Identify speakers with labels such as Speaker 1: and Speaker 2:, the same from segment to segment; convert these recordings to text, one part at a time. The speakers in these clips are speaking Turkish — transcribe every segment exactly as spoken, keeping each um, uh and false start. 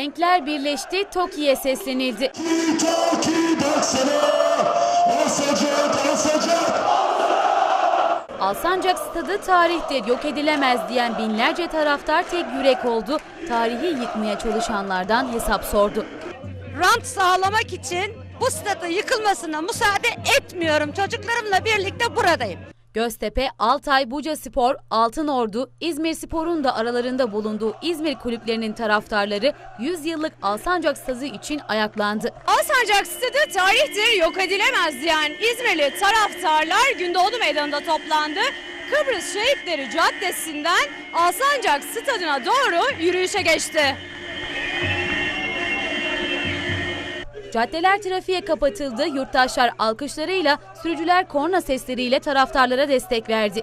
Speaker 1: Renkler birleşti, TOKİ'ye seslenildi.
Speaker 2: TOKİ baksana, Alsancak, Alsancak.
Speaker 1: Alsancak stadı tarihtir, yok edilemez diyen binlerce taraftar tek yürek oldu. Tarihi yıkmaya çalışanlardan hesap sordu.
Speaker 3: Rant sağlamak için bu stadın yıkılmasına müsaade etmiyorum. Çocuklarımla birlikte buradayım.
Speaker 1: Göztepe, Altay, Bucaspor, Altınordu, İzmirspor'un da aralarında bulunduğu İzmir kulüplerinin taraftarları yüz yıllık Alsancak Stadı için ayaklandı.
Speaker 4: Alsancak Stadı tarihtir, yok edilemez diyen İzmirli taraftarlar Gündoğdu Meydanı'nda toplandı. Kıbrıs Şehitleri Caddesi'nden Alsancak Stadı'na doğru yürüyüşe geçti.
Speaker 1: Caddeler trafiğe kapatıldı, yurttaşlar alkışlarıyla, sürücüler korna sesleriyle taraftarlara destek verdi.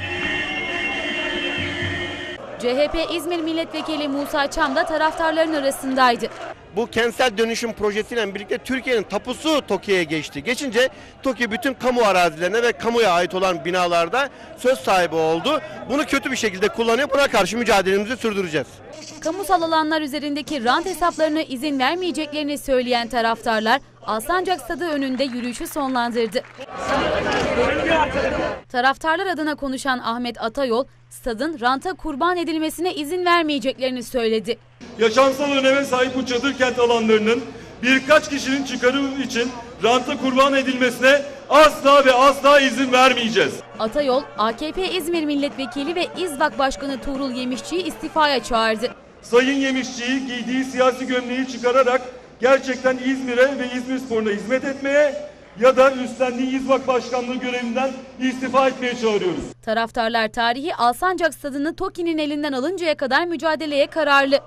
Speaker 1: C H P İzmir Milletvekili Musa Çam da taraftarların arasındaydı.
Speaker 5: Bu kentsel dönüşüm projesiyle birlikte Türkiye'nin tapusu TOKİ'ye geçti. Geçince TOKİ bütün kamu arazilerine ve kamuya ait olan binalarda söz sahibi oldu. Bunu kötü bir şekilde kullanıyor. Buna karşı mücadelemizi sürdüreceğiz.
Speaker 1: Kamusal alanlar üzerindeki rant hesaplarına izin vermeyeceklerini söyleyen taraftarlar Alsancak Stadı önünde yürüyüşü sonlandırdı. Taraftarlar adına konuşan Ahmet Atayol, stadın ranta kurban edilmesine izin vermeyeceklerini söyledi.
Speaker 6: Yaşamsal öneme sahip bu çadır kent alanlarının birkaç kişinin çıkarı için ranta kurban edilmesine asla ve asla izin vermeyeceğiz.
Speaker 1: Atayol, A K P İzmir Milletvekili ve İzvak Başkanı Tuğrul Yemişçi'yi istifaya çağırdı.
Speaker 6: Sayın Yemişçi'yi giydiği siyasi gömleği çıkararak gerçekten İzmir'e ve İzmirspor'una hizmet etmeye ya da üstlendiği İzvak Başkanlığı görevinden istifa etmeye çağırıyoruz.
Speaker 1: Taraftarlar tarihi Alsancak Stadı'nı TOKİ'nin elinden alıncaya kadar mücadeleye kararlı.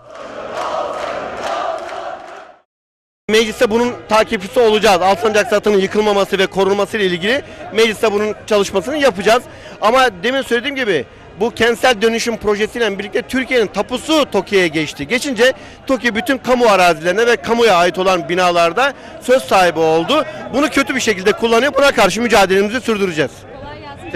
Speaker 5: Mecliste bunun takipçisi olacağız. Alsancak Stadı'nın yıkılmaması ve korunması ile ilgili mecliste bunun çalışmasını yapacağız. Ama demin söylediğim gibi bu kentsel dönüşüm projesiyle birlikte Türkiye'nin tapusu TOKİ'ye geçti. Geçince TOKİ bütün kamu arazilerine ve kamuya ait olan binalarda söz sahibi oldu. Bunu kötü bir şekilde kullanıyor. Buna karşı mücadelemizi sürdüreceğiz.